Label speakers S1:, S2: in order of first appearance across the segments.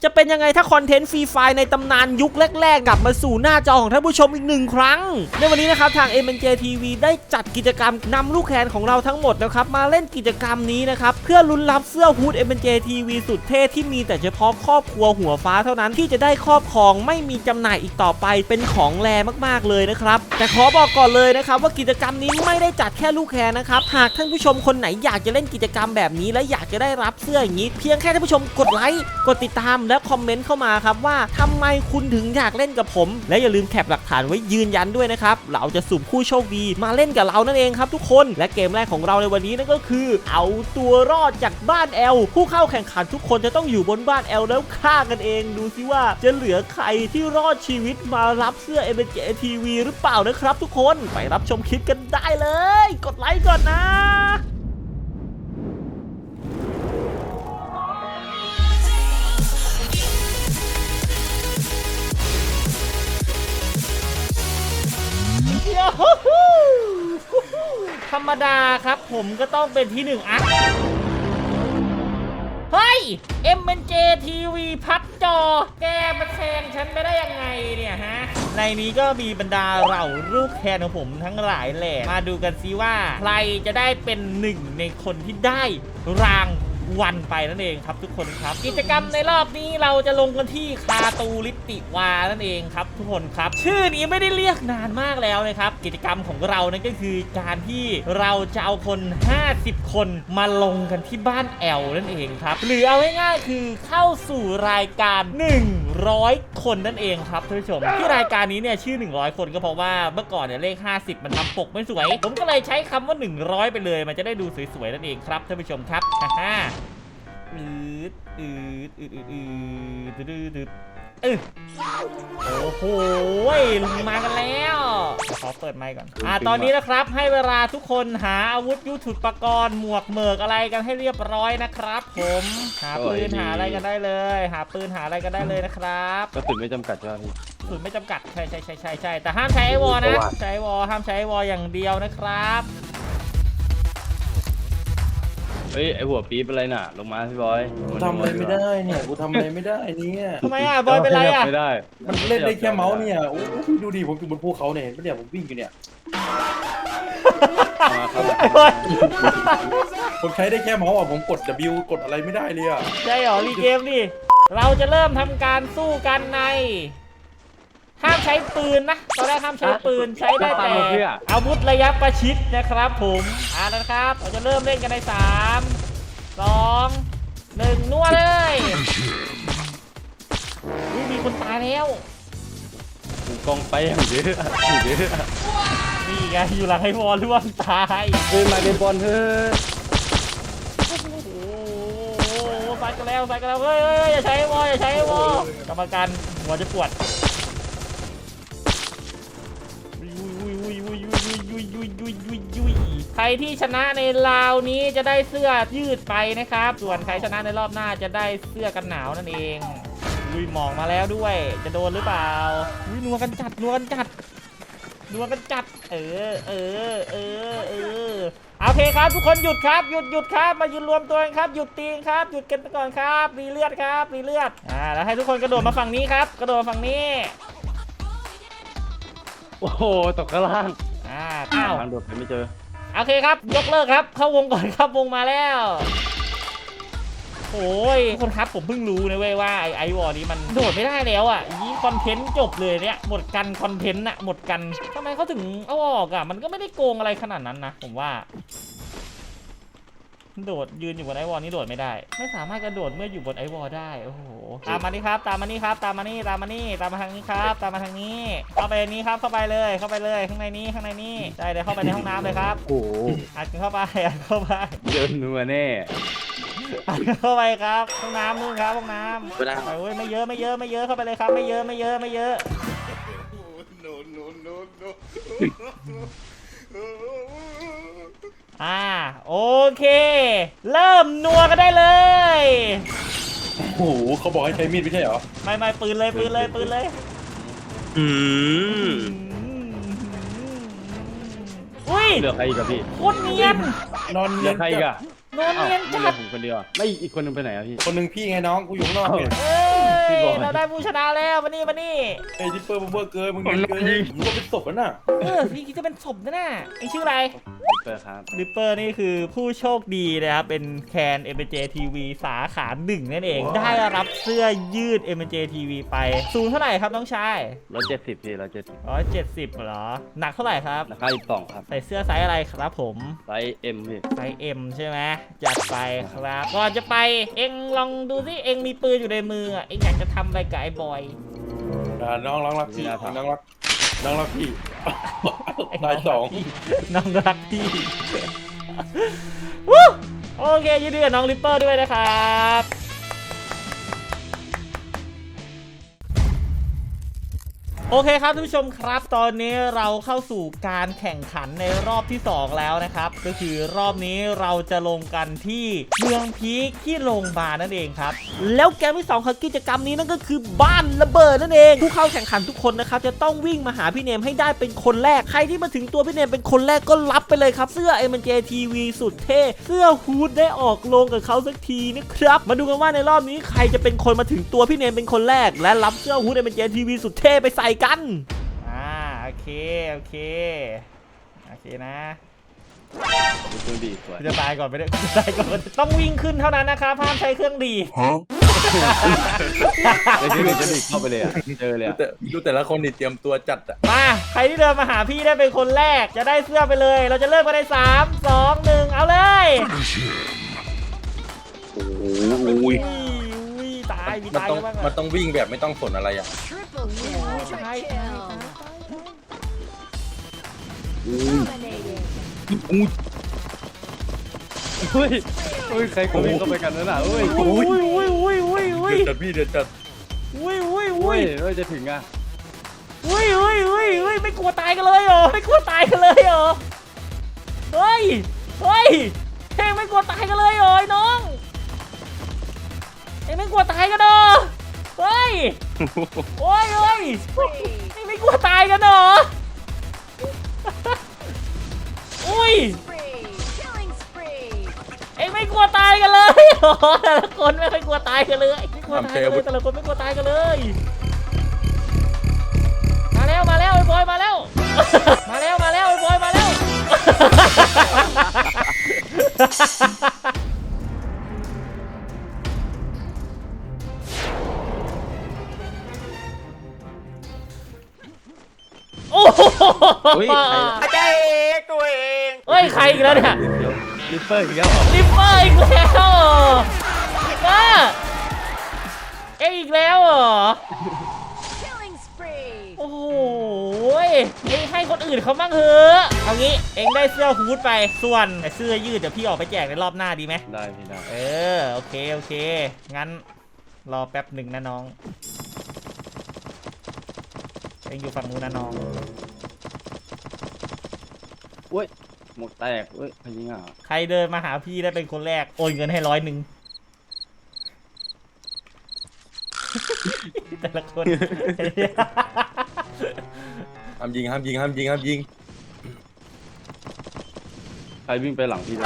S1: จะเป็นยังไงถ้าคอนเทนต์ฟรีไฟในตำนานยุคแรกๆกลับมาสู่หน้าจอของท่านผู้ชมอีก1 ครั้งในวันนี้นะครับทาง MNJ TV ได้จัดกิจกรรมนำลูกแคนของเราทั้งหมดนะครับมาเล่นกิจกรรมนี้นะครับเพื่อลุ้นรับเสื้อฮูด MNJ TV สุดเท่ที่มีแต่เฉพาะครอบครัวหัวฟ้าเท่านั้นที่จะได้ครอบครองไม่มีจำหน่ายอีกต่อไปเป็นของแรมากๆเลยนะครับแต่ขอบอกก่อนเลยนะครับว่ากิจกรรมนี้ไม่ได้จัดแค่ลูกแคนนะครับหากท่านผู้ชมคนไหนอยากจะเล่นกิจกรรมแบบนี้และอยากจะได้รับเสื้ออย่างนี้เพียงแค่ท่านผู้ชมกดไลค์กดติดตามและคอมเมนต์เข้ามาครับว่าทำไมคุณถึงอยากเล่นกับผมและอย่าลืมแคปหลักฐานไว้ยืนยันด้วยนะครับเราจะสุ่มผู้โชคดีมาเล่นกับเรานั่นเองครับทุกคนและเกมแรกของเราในวันนี้นั่นก็คือเอาตัวรอดจากบ้านแอลผู้เข้าแข่งขันทุกคนจะต้องอยู่บนบ้านแอลแล้วฆ่ากันเองดูซิว่าจะเหลือใครที่รอดชีวิตมารับเสื้อ MNJ TV หรือเปล่านะครับทุกคนไปรับชมคลิปกันได้เลยกดไลค์ก่อนนะธรรมดาครับผมก็ต้องเป็นที่1อ่ะเฮ้ย MNJ TV พัดจอแกมาแซงฉันไม่ได้ยังไงเนี่ยฮะในนี้ก็มีบรรดาเหล่าลูกแคนของผมทั้งหลายแหละมาดูกันซิว่าใครจะได้เป็น1ในคนที่ได้รางวันไปนั่นเองครับทุกคนครับกิจกรรมในรอบนี้เราจะลงกันที่คาตูลิติวานั่นเองครับทุกคนครับชื่อนี้ไม่ได้เรียกนานมากแล้วนะครับกิจกรรมของเรานั่นก็คือการที่เราจะเอาคน50 คนมาลงกันที่บ้านแอลนั่นเองครับหรือเอาง่ายๆคือเข้าสู่รายการ100 คนนั่นเองครับท่านผู้ชมที่รายการนี้เนี่ยชื่อ100 คนก็เพราะว่าเมื่อก่อนเนี่ยเลข50มันทำปกไม่สวยผมก็เลยใช้คำว่า100ไปเลยมันจะได้ดูสวยๆนั่นเองครับท่านผู้ชมครับฮ่าโอ้โหมากันแล้วขอเปิดไมค์ก่อนตอนนี้นะครับให้เวลาทุกคนหาอาวุธยุทโธปกรณ์หมวกเหมือกอะไรกันให้เรียบร้อยนะครับผมหาปืนหาอะไรกันได้เลยหาปืนหาอะไรกันได้เลยนะครับ
S2: กระสุนไม่จำกัดใช่ไหมพี่
S1: กระสุนไม่จำกัดใช่แต่ห้ามใช้ไอวอลนะใช้ไอวอลห้ามใช้ไอวอลอย่างเดียวนะครับ
S2: เฮ้ยไอหัวปี๊บอะไรน่ะลงมาพี่บอย
S3: ทำอะไรไม่ได้เนี่ยกูทำอะไรไม่ได้เนี่ย
S1: ทำไมบอยเป็นไร
S2: ไม่ได้
S3: มันเล่นได้แค่เมาส์เนี่ยโอ้พี่ดูดิผมอยู่บนภูเขาเนี่ยเห็นปะเนี่ยผมวิ่งอยู่เนี่ยผมใช้ได้แค่เมาส์อ่ะผมกด W กดอะไรไม่ได้เลยอ่ะ
S1: ใช่หรอรีเกมดิเราจะเริ่มทำการสู้กันในห้ามใช้ปืนนะตอนแรกห้ามใช้ปืนใช้ได้แต่อาวุธระยะประชิดนะครับผมนะครับเราจะเริ่มเล่นกันใน3 2 1นัวเลยมีคนตายแล้ว
S2: กองไปอย่างเยอะ
S1: นี่ไงอยู่หลังไอ้บอลร่วงตาย
S2: มาเดนบอลเถอะ
S1: ใส่กันแล้วเฮ้ยอย่าใช้วอกรรมการหัวจะปวดใครที่ชนะในราวนี้จะได้เสื้อยืดไปนะครับส่วนใครชนะในรอบหน้าจะได้เสื้อกันหนาวนั่นเองหมองมาแล้วด้วยจะโดนหรือเปล่านัวกันจัดโอเคครับทุกคนหยุดครับหยุดครับมายืนรวมตัวกันครับหยุดตีครับหยุดกันไปก่อนครับรีเลือดแล้วให้ทุกคนกระโดดมาฝั่งนี้ครับกระโดดมาฝั่งนี้
S2: โอ้โหตกข้างล่าง
S1: ท
S2: างโดดไปไม่เจอ
S1: โอเคครับยกเลิกครับเข้าวงก่อนครับวงมาแล้วโอ้ยทุกคนครับผมเพิ่งรู้นะเว้ยว่าไอวอร์นี้มันโดดไม่ได้แล้วอ่ะยี่คอนเทนต์จบเลยเนี่ยหมดกันคอนเทนต์อะหมดกันทำไมเขาถึงเอาออกอะมันก็ไม่ได้โกงอะไรขนาดนั้นนะผมว่าโดดยืนอยู่บนไอวอร์นี้โดดไม่ได้ไม่สามารถกระโดดเมื่ออยู่บนไอวอร์ได้โอ้โหตามมานี่ครับตามมาทางนี้ครับตามมาทางนี้ครับตามมาทางนี้เข้าไปนี้ครับเข้าไปเลยข้างในนี้ใช่เดี๋ยวเข้าไปในห้องน้ำเลยครับ
S2: โอ้โห
S1: อัดเข้าไป
S2: เดินนัวแน่
S1: เข้าไปครับห้องน้ำนู่นครับห้องน้ำไปเว้ยไม่เยอะเข้าไปเลยครับไม่เยอะโอเคเริ่มนัวกันได้เลย
S3: โอ้โหเขาบอกให้ใช้มีดไม่ใช่เหรอ
S1: ไม่ปืนเลยเห
S2: ลือใครอีกอะพี่
S1: โคตรเนียน
S3: นอน
S2: เหลือใครอีกอะ
S1: นอนเนียนจัด
S2: ผมคนเดียวไม่อีกคนนึงไปไหนอะพี่
S3: คนนึงพี่ไงน้องกูอยู่ข้างนอกเนี่ย
S2: บอย
S1: เราได้ผู้ชนะแล้วมานี่
S3: ไอ้ดิปเปอร์มึงเบอร์เกินมึงเกินมึงก็เป็นศพแล้วน่ะ
S1: พี่คิดจะเป็นศพนะน่ะไอชื่ออะไร
S2: เปิดครับ
S1: ริปเปอร์นี่คือผู้โชคดีนะครับ เป็นแคน MJ TV สาขา1นั่นเอง ได้รับเสื้อยืด MJ TV ไปสูงเท่าไหร่ครับน้องชาย
S2: 170พี่170
S1: 170เหรอ หนักเท่าไหร่ครับ
S2: ราคา12ครับ
S1: ใส่เสื้อไซส์อะไรครับผม
S2: ไซส์ M พี่
S1: ไซส์ M ใช่ไหมจัดไปครับ ก่อนจะไปเอ็งลองดูสิเอ็งมีปืนอยู่ในมือเอ็งอยากจะทำอะไรกับไอ้บอย
S3: น้องรักพี่น้องรักพี่นายสอง
S1: น้องรักพี่วู้โอเคยินดีกับน้องริปเปอร์ด้วยนะครับ โอเคครับท่านผู้ชมครับตอนนี้เราเข้าสู่การแข่งขันในรอบที่2แล้วนะครับก็คือรอบนี้เราจะลงกันที่เมืองพีคที่โรงพยาบาลนั่นเองครับแล้วเกมที่2ของกิจกรรมนี้นั่นก็คือบ้านระเบิดนั่นเองผู้เข้าแข่งขันทุกคนนะครับจะต้องวิ่งมาหาพี่เนมให้ได้เป็นคนแรกใครที่มาถึงตัวพี่เนมเป็นคนแรกก็รับไปเลยครับเสื้อ MJ TV สุดเท่เสื้อฮูดได้ออกลงกับเขาสักทีนะครับมาดูกันว่าในรอบนี้ใครจะเป็นคนมาถึงตัวพี่เนมเป็นคนแรกและรับเสื้อฮูด MJ TV สุดเท่ไปใส่กันโอเคนะ
S2: ดูดีสวย
S1: จะตายก่อนไม่ได้ตายก่อนต้องวิ่งขึ้นเท่านั้นนะครับห้ามใช้เครื่องดี
S2: ไอ้ที่มันจะดิเข้าไปเลยอะเจอเลยอะ
S3: ดูแต่ละคนนี่เตรียมตัวจัดอ่ะ
S1: มาใครที่เดินมาหาพี่ได้เป็นคนแรกจะได้เสื้อไปเลยเราจะเริ่มกันใน3 2 1เอาเลยอุ้ยตายมีตายกันบ้าง
S3: มันต้องวิ่งแบบไม่ต้องสนอะไรอ่ะ
S4: Triple kill.
S1: Hi.
S4: Triple kill.
S2: เฮ้ยใครเขาวิ่งเข้าไปกันนั่นน่ะเฮ้ย
S1: อุ้ย
S3: เดือดจัดพี่เดือดจัด
S1: อุ้ย
S2: เฮ้ยจะถึงอ่ะ
S1: ไม่กลัวตายกันเลยเหรอไม่กลัวตายกันเลยเหรอเฮ้ยเฮ้ยไม่กลัวตายกันเลยเหรอไอ้น้องเอ็งไม่กลัวตายกันเหรอเฮ้ยโอ้ยเอ็งไม่กลัวตายกันเหรออุ้ย
S4: Spree. Killing spree.
S1: เอ็งไม่กลัวตายกันเลยเหรอแต่ละคนไม่ค่อยกลัวตายกันเลยไม่กลัวตายกันเลยแต่ละคนไม่กลัวตายกันเลยมาแล้วไอ้บอยมาแล้วมาแล้วไอ้บอยมาแล้วโอ้โห
S2: เฮ้ยใคร
S1: ตัวเองเฮ้ยใครอีกแล้วเนี่ย
S2: ลิปเปอร์อีกแล้วเหรอ
S1: ลิปเปอร์อีกแล้วเอ็งอีกแล้วเหรอ
S4: Killing spree.
S1: โอ้โหเอ็งให้คนอื่นเขาบ้างเถอะเอางี้เอ็งได้เสื้อฮูดไปส่วนเสื้อยืดเดี๋ยวพี่ออกไปแจกในรอบหน้าดีไหม
S2: ได้พี่ได้
S1: โอเคงั้นรอแป๊บหนึ่งนะน้องเอ็งอยู่ฝั่งนู้นนะน้อง
S2: เว้ยหมดแตกเว้ยพยิงอ่ะ
S1: ใครเดินมาหาพี่ได้เป็นคนแรกโอนเงินให้100แต่ละคน
S3: ห้ามยิง
S2: ใครวิ่งไปหลังพี่ได้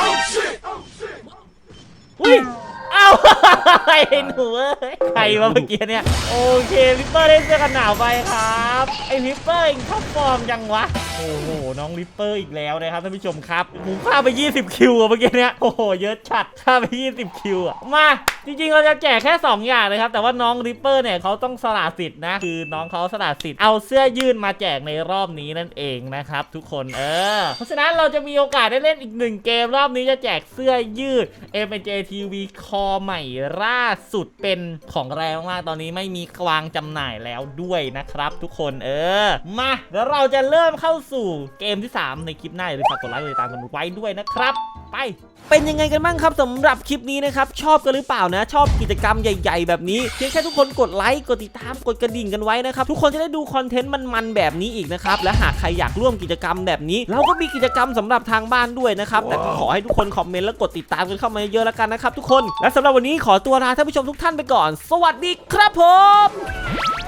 S1: อุ้ยเอ้า ไอ้หนูเอ้ยใครวะเมื่อกี้เนี่ยโอเคลิปเปอร์ได้เสื้อกันหนาวไปครับไอ้ลิปเปอร์เองท็อปฟอร์มยังวะโอ้โหน้องลิปเปอร์อีกแล้วนะครับท่านผู้ชมครับผมฆ่าไป20คิวอะเมื่อกี้เนี่ยโอ้โหเยอะชัดฆ่าไป20คิวอะมาจริงๆเราจะแจกแค่2อย่างเลยครับแต่ว่าน้องลิปเปอร์เนี่ยเขาต้องสละสิทธิ์นะคือน้องเขาสละสิทธิ์เอาเสื้อยืดมาแจกในรอบนี้นั่นเองนะครับทุกคนเพราะฉะนั้นเราจะมีโอกาสได้เล่นอีก1เกมรอบนี้จะแจกเสื้อยืด MJ TV คอใหม่ล่าสุดเป็นของแรงมากตอนนี้ไม่มีวางจำหน่ายแล้วด้วยนะครับทุกคนมาแล้วเราจะเริ่มเข้าสู่เกมที่3ในคลิปหน้าอย่าลืมฝากกดไลค์กดติดตามกันไว้ด้วยนะครับไปเป็นยังไงกันบ้างครับสำหรับคลิปนี้นะครับชอบกันหรือเปล่านะชอบกิจกรรมใหญ่ๆแบบนี้เพียงแค่ทุกคนกดไลค์กดติดตามกดกระดิ่งกันไว้นะครับทุกคนจะได้ดูคอนเทนต์มันๆแบบนี้อีกนะครับและหากใครอยากร่วมกิจกรรมแบบนี้เราก็มีกิจกรรมสำหรับทางบ้านด้วยนะครับแต่ก็ขอให้ทุกคนคอมเมนต์และกดติดตามกันเข้ามาเยอะๆแล้วกันนะครับทุกคนและสำหรับวันนี้ขอตัวลาท่านผู้ชมทุกท่านไปก่อนสวัสดีครับผม